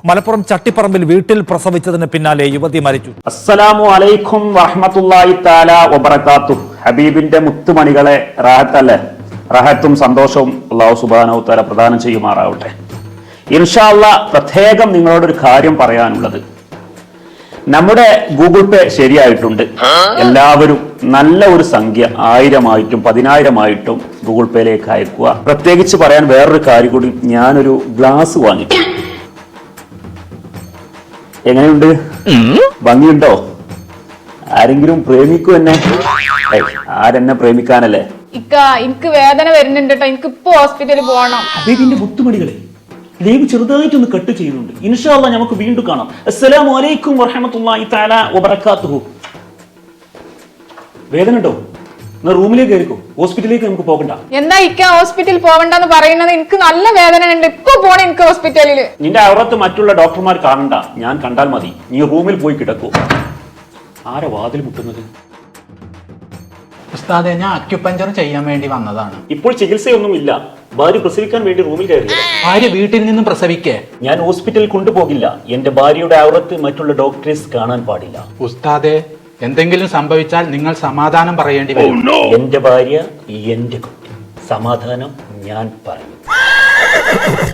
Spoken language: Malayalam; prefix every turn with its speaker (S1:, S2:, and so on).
S1: മലപ്പുറം ചട്ടിപ്പറമ്പിൽ വീട്ടിൽ പ്രസവിച്ചതിന് പിന്നാലെ യുവതി മരിച്ചു.
S2: അസ്സലാമു അലൈക്കും വറഹ്മത്തുള്ളാഹി തആല വബറകാതുഹു. ഹബീബിന്റെ മുത്തുമണികളെ, റാഹത്തല്ലേ? റാഹത്തും സന്തോഷവും അല്ലാഹു സുബ്ഹാനഹു വ തആല പ്രദാനം ചെയ്യുമാറാവട്ടെ. ഇൻഷാ അല്ലാഹ് പ്രത്യേകം നിങ്ങളോടൊരു കാര്യം പറയാനുള്ളത്, നമ്മുടെ ഗൂഗിൾ പേ ശരിയായിട്ടുണ്ട്. എല്ലാവരും നല്ല ഒരു സംഖ്യ 1000-ആയിട്ടും 10,000-ആയിട്ടും ഗൂഗിൾ പേയിലേക്ക് അയക്കുക. പ്രത്യേകിച്ച് പറയാൻ വേറൊരു കാര്യം കൂടി, ഞാനൊരു ഗ്ലാസ് വാങ്ങി. എങ്ങനെയുണ്ട്? ഭംഗിയുണ്ടോ? ആരെങ്കിലും പ്രേമിക്കൂ എന്നെ? ആരെന്നെ പ്രേമിക്കാനല്ലേ?
S3: എനിക്ക് വേദന വരുന്നുണ്ട് കേട്ടോ, എനിക്ക് ഇപ്പൊ ഹോസ്പിറ്റലിൽ പോകണം.
S2: ഹബീബിന്റെ മുത്തുമണികളെ, ലൈവ് ചെറുതായിട്ടൊന്ന് കട്ട് ചെയ്യുന്നുണ്ട്. ഇൻഷാ അല്ലാഹ് നമുക്ക് വീണ്ടും കാണാം. അസ്സലാമു അലൈക്കും വറഹ്മത്തുള്ളാഹി തആല വബറകാതുഹു. വേദന ഉണ്ടോ? റൂമിലേക്ക് കയറിക്കോ, ഹോസ്പിറ്റലിലേക്ക് നമുക്ക് പോകണ്ട.
S3: എന്താ ഹോസ്പിറ്റലിൽ പോകണ്ടെന്ന് പറയുന്നത്? എനിക്ക് നല്ല വേദന ഉണ്ട്, ഇപ്പൊ പോണേ എനിക്ക് ഹോസ്പിറ്റലിൽ.
S2: നിന്റെ ഔറത്ത് മറ്റുള്ള ഡോക്ടർമാർ കാണണ്ട, ഞാൻ കണ്ടാൽ മതി. നീ റൂമിൽ പോയി കിടക്കൂ. ആരാ വാതിൽ മുട്ടുന്നത്?
S4: ഉസ്താദെ, ഞാൻ അക്യുപഞ്ചർ ചെയ്യാൻ വേണ്ടി വന്നതാണ്.
S2: ഇപ്പോൾ ചികിത്സയൊന്നും ഇല്ല. ഭാര്യ പ്രസവിക്കാൻ വേണ്ടി റൂമിൽ കയറി.
S4: ഭാര്യ വീട്ടിൽ നിന്നും പ്രസവിക്കേ?
S2: ഞാൻ ഹോസ്പിറ്റലിൽ കൊണ്ടുപോകില്ല. എന്റെ ഭാര്യയുടെ ഔറത്ത് മറ്റുള്ള ഡോക്ടേഴ്സ് കാണാൻ പാടില്ല.
S4: ഉസ്താദെ, എന്തെങ്കിലും സംഭവിച്ചാൽ നിങ്ങൾ സമാധാനം പറയേണ്ടി വരും.
S2: എന്റെ ഭാര്യ, എന്റെ കുട്ടി, സമാധാനം ഞാൻ പറയും.